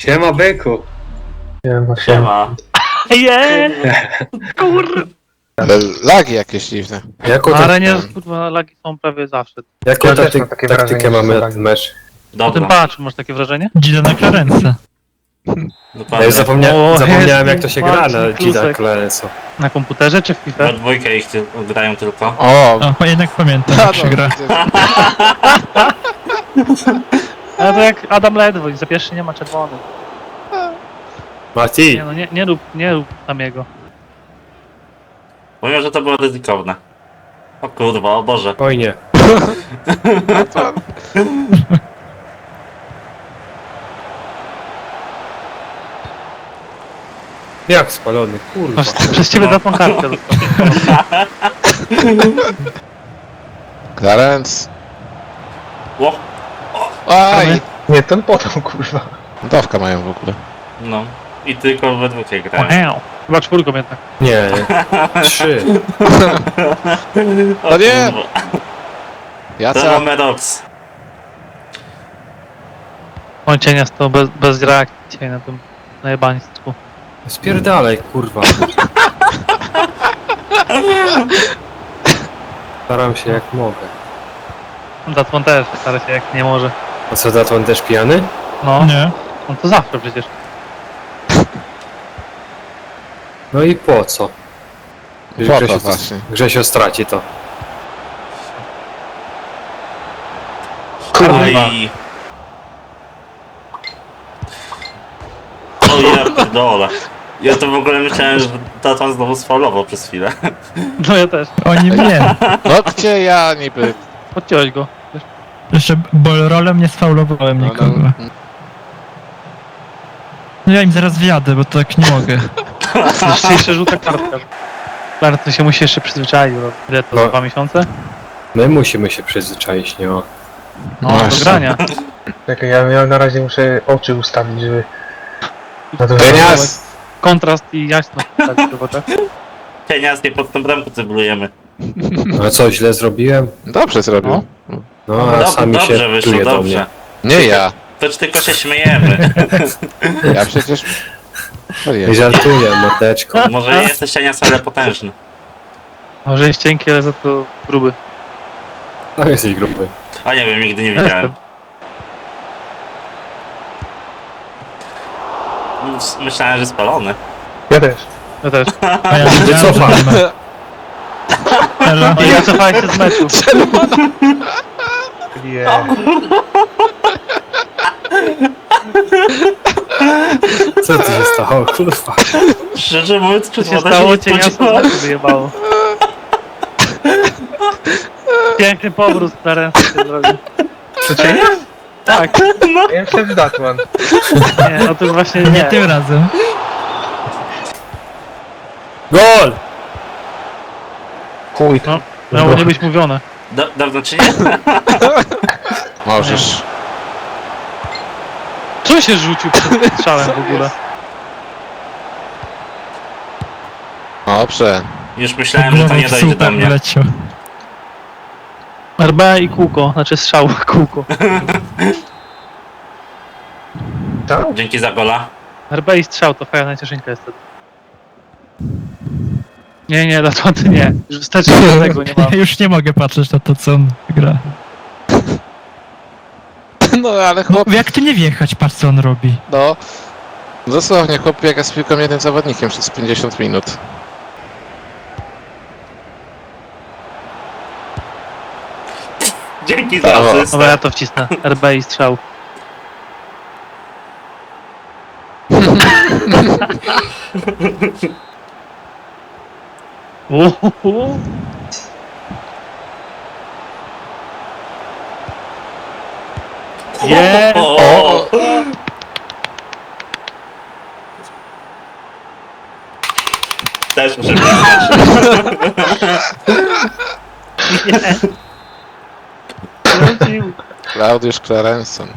Siema, byku. Siema. Kurwa. Ale lagi jakieś dziwne. Jaką, Na arenie kurwa lagi są prawie zawsze. jaką Ja też mam takie taktykę wrażenie, mamy że na są ten mecz? Po tym Dobra, patrz, masz takie wrażenie? Gila na Clarence. Ja dokładnie. już zapomniałem Jezu, jak to się gra na Marcin Gida Klusek. Clarensa. Na komputerze czy w FIFA? We dwójkę ich grają tylko. O! O, jednak pamiętam jak się gra. Ale to jak Adam Ledwoń, za pierwszy nie ma czerwonych. Mati, Nie no, nie rób tam jego. Powiem, że to było ryzykowne. O kurwa, o Boże. spokojnie. Jak spalony, kurwa. Przez ciebie za tą kartę dostał. Clarence. Ło, Aj! Nie, ten potem, kurwa. Dawka mają w ogóle. no. I tylko we dwójkę grają. Wow. Chyba czwórką jednak. Nie, 3. O nie! To Jaca? mamy Rox. Kończenia z to bez reakcji na tym najebaństwu. Spierdalaj, kurwa. Staram się jak mogę. Datman też stara się jak nie może. A co, Datman też pijany? No, Nie. no to zawsze przecież. No i po co? Po to właśnie. Grzesio straci to. Aj. O ja pierdolę. Ja to w ogóle myślałem, że Tatan znowu sfaulował przez chwilę. No ja też. Oni mnie. No gdzie ja niby? Podciąłeś go. Jeszcze bolrolem nie sfaulowałem No, nikogo. no, No ja im zaraz wjadę, bo tak nie mogę. Jeszcze żółta kartka. Bardzo się musi jeszcze przyzwyczaić. Ile to? No. 2 miesiące? My musimy się przyzwyczaić, nie o. No, Właśnie. do grania. Czekaj, ja na razie muszę oczy ustawić, żeby... Na to Pienias! Kontrast i jasność. Tak, chyba tak. Pieniądz nie pod tą bramkę cyblujemy. A co, źle zrobiłem? Dobrze zrobił. No, a sami Dobrze się wyszło, pluje do dobrze. mnie. Nie ja. To tylko się śmiejemy. Ja przecież... O Nie Jezu. żartuję, mordeczko. Może jesteś Cienias, ale potężny. Może jest cienki, ale za to gruby. No jesteś gruby. A nie wiem, nigdy nie widziałem. Myślałem, że spalony. Ja też. Ja też. A ja wiedziałem, Wycofam. że nie ma. Elo. No i ja cofałem się z meczu. Nie. Co tu się stało, kurwa? Szczerze mówiąc, Co się czerwona stało? nie Cienia z spodziewałem. meczu wyjebało. Piękny powrót na ręce się zrobił. To cienie? Tak. Ja myślałem, że Datman. Nie, no to jest właśnie Nie nie. tym razem. Gol! Chuj. No, miało nie być mówione. Dawno czy nie? Możesz. Co się rzucił przed strzałem w ogóle? Dobrze. Już myślałem, że to Głową nie w dojdzie do słupek mnie. wleciał. RB i kółko, znaczy strzał kółko. Co? Dzięki za gola. RB i strzał to fajna najcieszynka jest wtedy. Nie, dlaczego ty nie? Już wystarczy że tego nie mam. Już nie mogę patrzeć na to, co on gra. No ale No, chłop... jak ty nie wjechać, patrz co on robi. No... Dosłownie chłop biega z piłką jednym zawodnikiem przez 50 minut. Dzięki za Brawo. asystę. Dobra, ja to wcisnę. RB i strzał. Uhuhu. Nie! O! Też muszę przyznać. Wrócił. Klaudiusz Clarenson.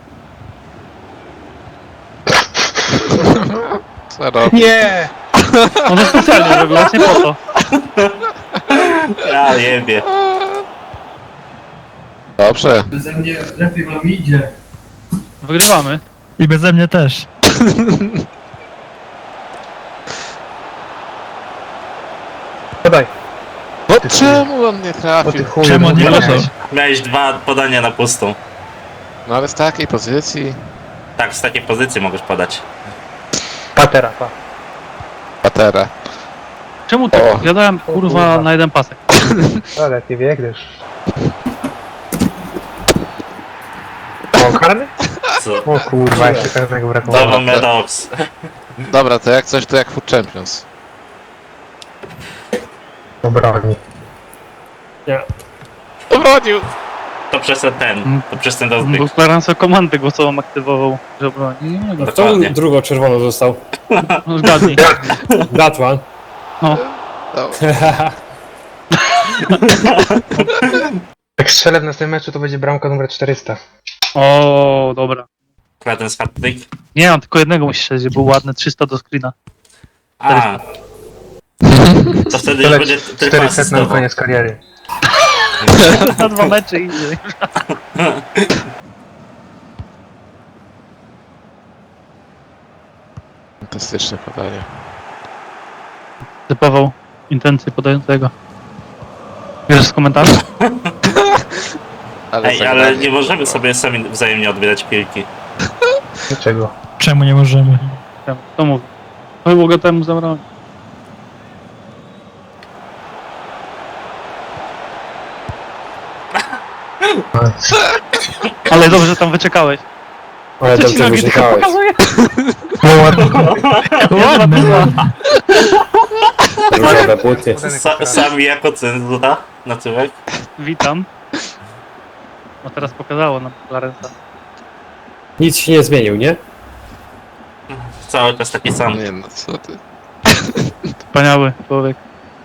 Co robi? Nie! On to specjalnie robił, właśnie po to. Ja jebie. Dobrze. I beze mnie też. Podaj. No Ty czemu on nie O ty trafił? chuju. Czemu nie podaj. może? Miałeś 2 podania na pustą. No ale z takiej pozycji... Tak, z takiej pozycji możesz podać. Patera, pa. Patera. Czemu tak? O. Ja dałem kurwa na jeden pasek. Ale ty biegniesz. O, karny? Co? O kurwa, jeszcze karnego brakowało. Double Medox. Dobra, to jak coś, to jak Food Champions. Obroni. Obronił! To przez ten rozbieg. Bo Clarence komandę głosową aktywował, że broni. Nie mogę. A kto Dokładnie. drugo czerwono został? No zgadnij. Gatman. No. No. Jak strzelę w następnym meczu, to będzie bramka numer 400. O, dobra. Ten hat-trick. Nie, mam tylko jednego musisz strzelić, żeby był ładny 300 do screena. A. To wtedy już Tyle będzie tylko 400 na asystował. koniec kariery. Na 2 mecze idzie. Fantastyczne podanie. Typował intencje podającego. Bierzesz z komentarzy? Ej, ale zagranie. nie możemy sobie sami wzajemnie odbierać piłki. Dlaczego? Czemu nie możemy? To mówi. To mogę temu zabrać. Ale dobrze, że tam wyczekałeś. Ale Co ci dobrze nogi tylko wyrzekałeś. pokazuje? No ładnie. Ładne. Różowe buty. Sami jako cenzura na tyłek. Witam. No teraz pokazało nam Clarence'a. Nic się nie zmienił, nie? Cały czas taki sam. Nie no, co ty. Wspaniały człowiek.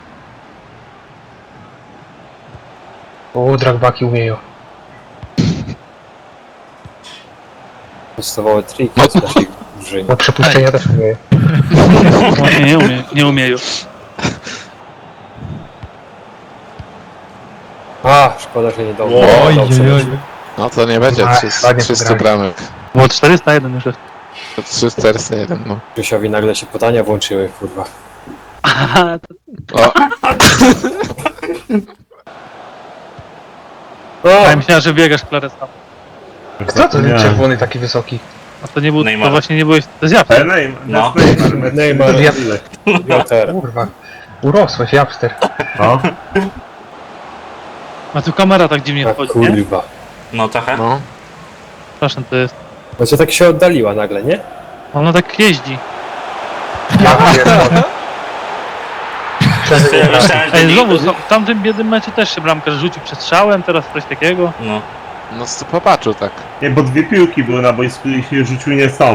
O, dragbaki umieją. Podstawowe triki z naszej drużyny. No przepuszczenia też umieją. Właśnie nie umie już. A, szkoda, że nie dobrze. Oj, Dobrze. oj, oj. No to nie będzie A, 300, ładnie 300 pograli. bramek. Było 401 już jest. To 301, no. Krzysiowi nagle się podania włączyły, kurwa. Aha, O, O! ja myślałem, że biegasz Clarence'a. Kto to ten czerwony taki wysoki? A to nie był, Neymar. to właśnie nie byłeś, to jest ja. No. Neymar, Ja, Joter. kurwa. Urosłeś, Japster. A tu kamera tak dziwnie A wchodzi, nie? kurwa. No trochę. no. Przepraszam, to jest. No co tak się oddaliła nagle, nie? Ona tak jeździ. Ja pierdolę. Ja myślałem, że Ej, nie... znowu, w tamtym biednym meczu też się bramkarz rzucił przed strzałem, teraz coś takiego. No. No to popatrzył tak. Nie, bo 2 piłki były na boisku i się rzucił nie są.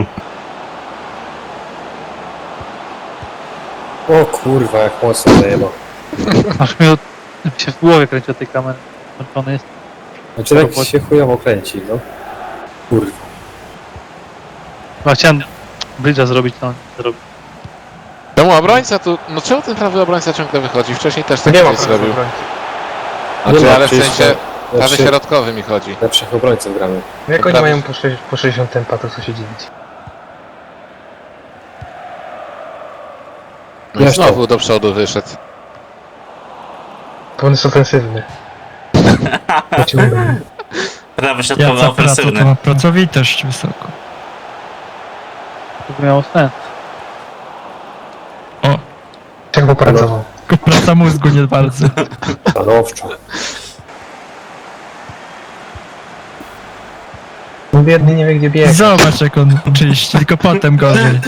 O kurwa, jak mocno zajebał. Aż mi się w głowie kręci od tej kamery. Zmęczony jest. Znaczy tak się chujowo kręci, no. Kurwa. No, chciałem bridge'a zrobić, to on nie zrobił. Czemu obrońca tu... No czemu ten prawy obrońca ciągle wychodzi? Wcześniej też tak Nie ma coś zrobił. obrońcy. Znaczy, Nie ma, ale w przecież sensie prawy lepszy- środkowy mi chodzi. Lepszych obrońców gramy. Jak oni Prawie. mają po 60 tempa, to co się dziwić? No i Zresztą. znowu do przodu wyszedł. To on jest ofensywny. Pociągnę. Prawy Ja środkowy co praca, to ofensywny. ma pracowitość wysoko. To by miało sens. O, Jak popracował. tylko praca mózgu nie bardzo. Stanowczo. No biedny nie wie gdzie biegnie. Zobacz jak on czyści, tylko potem gorzej.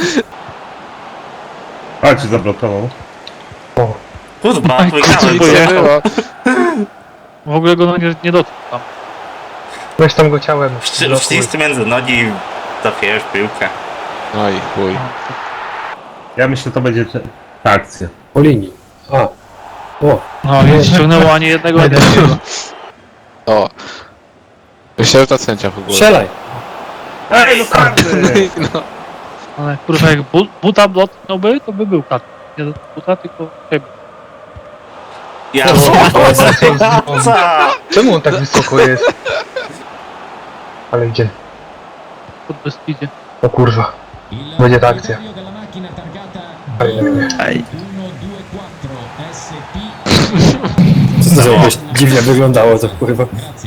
A, cię zablokował. O, Kurwa, Oj, wygrałem. kurczę, Co było? W ogóle go nie dotknął tam. weź tam go ciałem. blokuj. Wcisk między nogi i trafiłeś w piłkę. No i chuj. Ja myślę, to będzie ta akcja. Po linii. A. O. No i ściągnęło ani jednego, ani drugiego. O. Myślę, że to sędzia w ogóle. Strzelaj. Ej, no karty! No. Ale kurwa, jak buta dotknąłby, to by był kat. Nie do buta, tylko siebie. Ja Co? Czemu on tak wysoko jest? Ale idzie. Pod bez idzie. O kurwa. Będzie ta akcja. Ej, To jakoś dziwnie wyglądało to kurwa.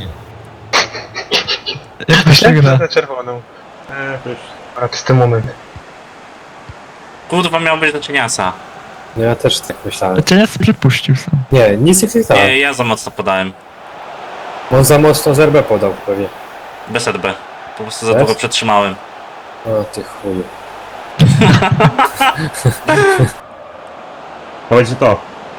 jak to się gra? Na czerwoną. To już... A to jest ten moment. Kurwa, miał być do cieniasa. No ja też tak myślałem. Cię nie przypuścił sam. Nie, nic nie chwytałem. Nie, ja za mocno podałem. On za mocno zerbę podał pewnie. Bez RB. Po prostu za Bez? długo przetrzymałem. O ty chuju. To będzie to.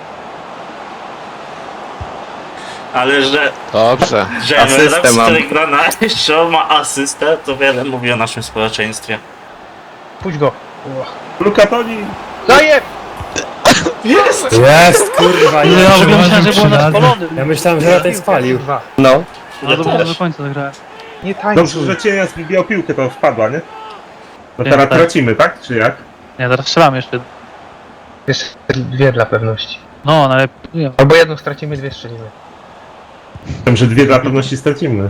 Ale Dobrze. Asystę który gra na jeszcze ma asystę, to wiele mówi o naszym społeczeństwie. Puść go. Luka Toni! Daję! Jest! Jest kurwa, Ja jest. w ogóle myślałem, że było na Przyjazny. spalonym. Ja myślałem, że ja tej spalił. Kurwa. No. No to do końca zagrałem. Nie tańcuj. Dobrze, że cienia zbił piłkę, to wpadła, nie? No Nie, teraz tak. tracimy, tak? Czy jak? Nie, teraz strzelam jeszcze. Jeszcze dwie dla pewności. No, ale nie. Albo jedną stracimy, dwie strzelimy. Wiem, że dwie dla pewności stracimy.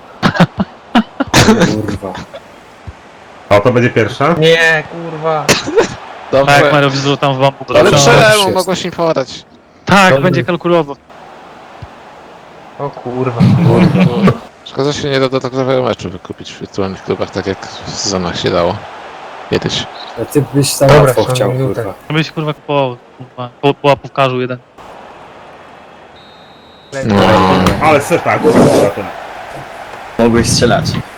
Kurwa. O, to będzie pierwsza. Nie, kurwa. Tak, Dobrze. Mario wzruszył tam w bambu. Ale Dobrze. czemu Jest. mogłeś im podać? Tak, Dobry. będzie kalkulował. O kurwa. Szkoda, że się nie da do takiego meczu wykupić w wirtualnych klubach, tak jak w sezonach się dało. Kiedyś. A ty byś tam Dobra, łatwo są chciał, minutę. kurwa. Byś kurwa kupował. Kurwa. Po łapówkarzu jeden. No. Ale seta, kurwa, ten. Mogłeś strzelać.